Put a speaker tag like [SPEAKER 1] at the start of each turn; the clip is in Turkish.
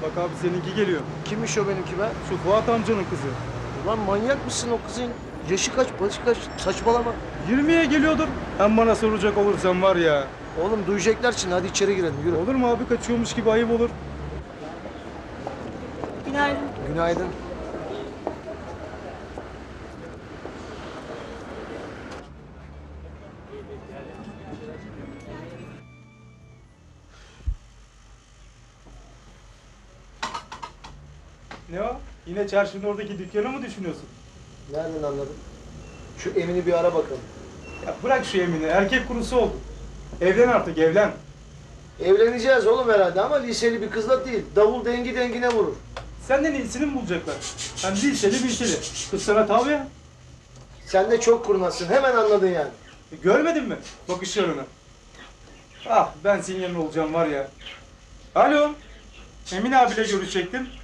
[SPEAKER 1] Bak abi seninki geliyor.
[SPEAKER 2] Kimmiş o benimki be?
[SPEAKER 1] Şu Fuat amcanın kızı.
[SPEAKER 2] Ulan manyak mısın o kızın? Yaşı kaç, başı kaç? Saçmalama.
[SPEAKER 1] 20'ye geliyordur. Hem bana soracak olursan var ya.
[SPEAKER 2] Oğlum duyacaklar şimdi. Hadi içeri girelim. Yürü.
[SPEAKER 1] Olur mu abi, kaçıyormuş gibi ayıp olur.
[SPEAKER 3] Günaydın.
[SPEAKER 2] Günaydın.
[SPEAKER 1] Ne o? Yine çarşının oradaki dükkanı mı düşünüyorsun?
[SPEAKER 2] Nereden anladın? Şu Emin'i bir ara bakalım.
[SPEAKER 1] Ya bırak şu Emine, erkek kurusu oldu. Evlen artık, evlen.
[SPEAKER 2] Evleneceğiz oğlum herhalde ama liseli bir kızla değil. Davul dengi dengine vurur.
[SPEAKER 1] Senden iyisini mi bulacaklar? Hem liseli bilseli. Kız sana tabi ya.
[SPEAKER 2] Sen de çok kurnazsın. Hemen anladın yani.
[SPEAKER 1] Görmedin mi bakışlarını? Ah, ben senin yanında olacağım var ya. Alo, Emin abiyle görüşecektim.